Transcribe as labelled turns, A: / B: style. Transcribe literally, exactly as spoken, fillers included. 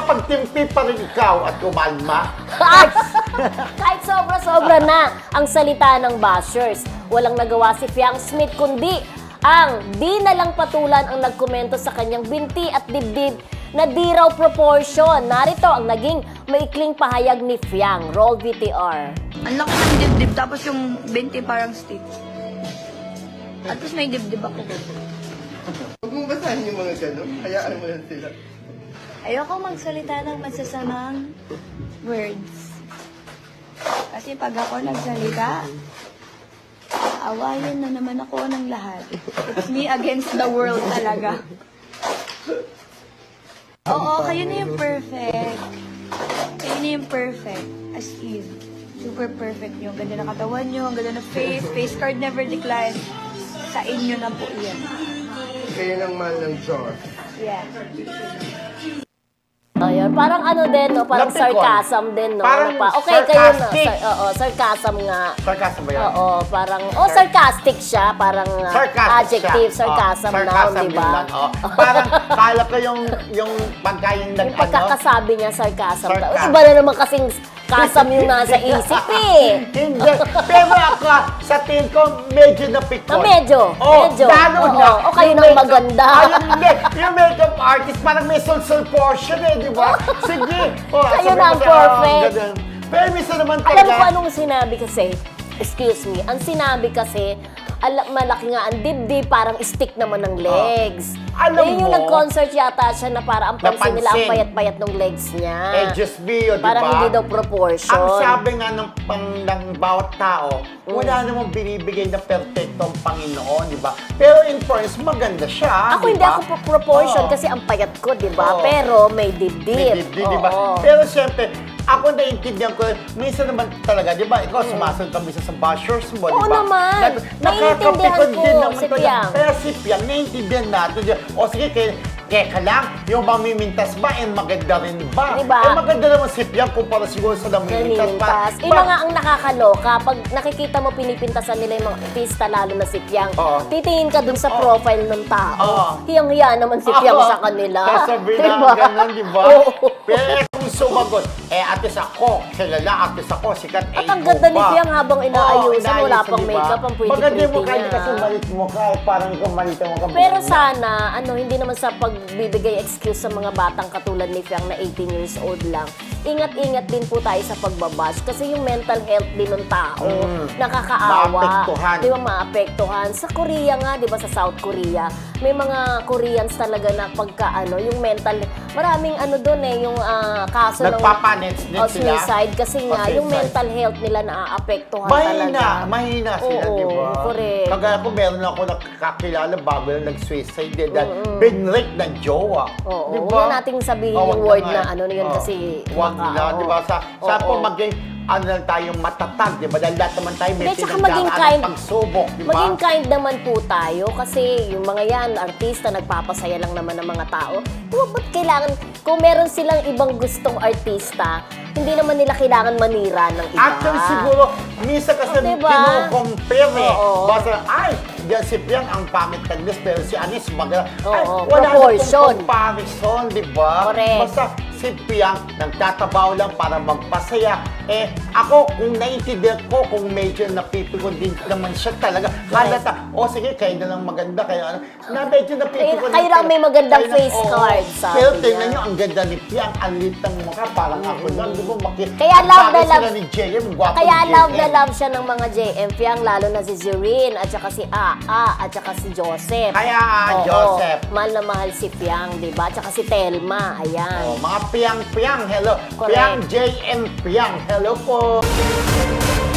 A: nakapagtimpi pa rin ikaw at kumalma.
B: Kahit sobra-sobra na ang salita ng bashers, walang nagawa si Fiang Smith kundi ang di na lang patulan ang nagkomento sa kanyang binti at dibdib na di raw proportion. Narito ang naging maikling pahayag ni Fiang. Roll V T R.
C: Ang laki ng dibdib, tapos yung binti parang stick. At least may dibdib ako.
D: Huwag mo basahin yung mga gano'n. Hayaan mo lang sila.
C: Ayoko magsalita ng masasamang words. Kasi pag ako nagsalita, awayin na naman ako ng lahat. It's me against the world talaga. Oo, kayo na yung perfect. Kayo na yung perfect. As in. Super perfect nyo. Ang ganda ng katawan nyo, ang ganda ng face. Face card never decline. Sa inyo na po yan.
D: Kayo ng mahal ng Diyos.
C: Yeah.
B: Ayun, parang ano din, no? Parang
A: Lapit ko.
B: sarcasm din, no?
A: Parang
B: Ano pa? Okay, kayo na.
A: sarcastic.
B: Sar- oo, sarcasm nga.
A: Sarcasm ba yan?
B: Oo, parang, oh, sarcastic siya. Parang uh,
A: Sarcastic
B: adjective,
A: siya.
B: sarcasm
A: Oh,
B: noun,
A: sarcasm
B: di ba?
A: yun lang, oh. Parang kala ko yung, yung pagkain ng
B: Yung pagkakasabi niya, sarcasm.
A: Sarcasm.
B: Iba na naman kasing kasam yung nasa isip eh.
A: Hindi. Pero ako, sa tingin ko, medyo napikon.
B: Na medyo,
A: Oh,
B: medyo.
A: lalo
B: Oo,
A: na.
B: o kayo
A: yung
B: nang
A: makeup-
B: maganda.
A: Ayun, hindi. Yung makeup artist, parang may sol-sol portion eh, di ba? Sige. Oh,
B: Kayo
A: sabi
B: na
A: ko
B: ang
A: sa- oh,
B: perfect.
A: ganun. Pero minsan naman
B: Alam mo
A: talaga.
B: kung anong sinabi kasi? Excuse me. Ang sinabi kasi, ala, malaki nga ang dibdib, parang stick naman ng legs.
A: Alam
B: eh, yung
A: mo-
B: nag-concert yata siya na para ang pansin nila ang
A: Napansin.
B: payat-payat ng legs niya.
A: Eh, just be yun, di ba?
B: Parang hindi daw proportion.
A: Ang sabi nga ng, pang, ng bawat tao, wala namang binibigay na perfecto ang Panginoon, di ba? Pero in fairness, maganda siya,
B: Ako
A: di
B: hindi
A: ba?
B: ako pro- proportion
A: Oo.
B: kasi ang payat ko, di ba?
A: Oo.
B: Pero may dibdib.
A: May dibdib, di ba?
B: Oo.
A: Pero siyempre, ako naiintindihan ko, minsan naman talaga, di ba? Ikaw, sumasunod ka minsan sa bashers mo, di
B: Oo
A: ba?
B: naman.
A: Na-
B: Naiintindihan
A: nakakapikon
B: ko,
A: din naman
B: si
A: talaga.
B: Piang.
A: Pero si Piang, naiintindihan natin. di ba? O sige, kaya, kaya lang, yung mamimintas ba, and maganda rin ba?
B: Di ba?
A: Eh, maganda naman si Piang kumpara siguro sa namimintas.
B: Nanimintas.
A: Pa-
B: Iba
A: pa-
B: nga ang nakakaloka, pag nakikita mo pinipintasan nila yung mga artista, lalo na si Piang,
A: Oo.
B: titingin ka dun sa profile ng tao.
A: Oo.
B: Hiyang-hiya naman si Piang
A: Oo.
B: sa kanila.
A: Sasabihin
B: Diba?
A: na ganun, di ba?
B: Oo.
A: Pero eh, kung sumagot, eh, atis ako, kilala, atis ako, sikat,
B: At
A: eh,
B: ang
A: ikaw
B: ganda ni
A: ba?
B: Piang habang inaayusan,
A: Oo,
B: wala
A: inaayusan,
B: pang
A: di ba?
B: makeup, ang
A: Maganda
B: pretty-pretty
A: mo kahit
B: niya.
A: kasi malit mo ka, eh, parang ikaw malit mo ka.
B: Pero sana, ano, hindi naman sa pagbibigay excuse sa mga batang katulad ni Fiang na eighteen years old lang. Ingat-ingat din po tayo sa pagbabash kasi yung mental health din ng tao,
A: Mm.
B: nakakaawa.
A: Maapektuhan.
B: Di ba, maapektuhan. Sa Korea nga, di ba, sa South Korea, may mga Koreans talaga na pagka, ano, yung mental, maraming ano doon eh, yung ah, kaso ng
A: Nagpapanits-nits
B: oh,
A: sila.
B: suicide kasi nga,
A: Oh,
B: yung
A: suicide.
B: mental health nila naaapektuhan
A: Mahina,
B: talaga.
A: mahina sila,
B: Oo,
A: di ba?
B: correct.
A: Kagaya ko, meron ako nakakilala bago lang nag-suicide din dahil binrake ng jowa.
B: Oo,
A: Di
B: huwag
A: ba?
B: na nating sabihin
A: Oh,
B: yung
A: wag
B: word
A: nga
B: na
A: eh.
B: ano na yun
A: Oh,
B: kasi
A: wag
B: baka,
A: na,
B: oo.
A: di ba? Sa, sa
B: Oo.
A: po maging, ano lang tayong matatag, di ba? Dahil lahat naman tayo may
B: Hindi, tsaka maging
A: pinagdaraan
B: kind-
A: ng pagsubok, di ba?
B: Maging kind naman po tayo kasi yung mga yan, artista, nagpapasaya lang naman ng mga tao. Diba, ba't kailangan, kung meron silang ibang gustong artista, hindi naman nila kailangan manira ng iba.
A: Actually, siguro, minsan kasi
B: Oh, diba?
A: kinukompare eh.
B: Oo.
A: Basta, ay, diyan si Piang ang pangit ng list, pero si Anis maganda. Ay,
B: Oo,
A: wala
B: proportion.
A: na comparison, di ba?
B: Correct.
A: Basta, si Piang, nagtatabaw lang para magpasaya. Eh, ako, kung naiintindihan ko, kung medyo napipikon din naman siya talaga, halata, o sige, kayo na lang maganda, kayo ano, na medyo napipikon.
B: Kayo lang may magandang
A: Kayo na-
B: face
A: oo.
B: card, sabi
A: Pero
B: niya.
A: tingnan nyo, ang ganda ni Piang, ang lit ng mukha, parang ako lang, di ba? Maki-
B: Kaya
A: ang
B: love
A: bagay
B: na love-
A: sila ni J M, gwapo
B: Kaya
A: ni J M.
B: love na love siya ng mga J M Fiang, lalo na si Zerine, at saka si Aa, at saka si Joseph.
A: Kaya, ah,
B: Oo,
A: Joseph.
B: mahal na mahal si Fiang, di ba? At saka si Telma, ayan.
A: Oh, mga Piang-Piang, hello.
B: Correct.
A: Piang J M Piang, hello po.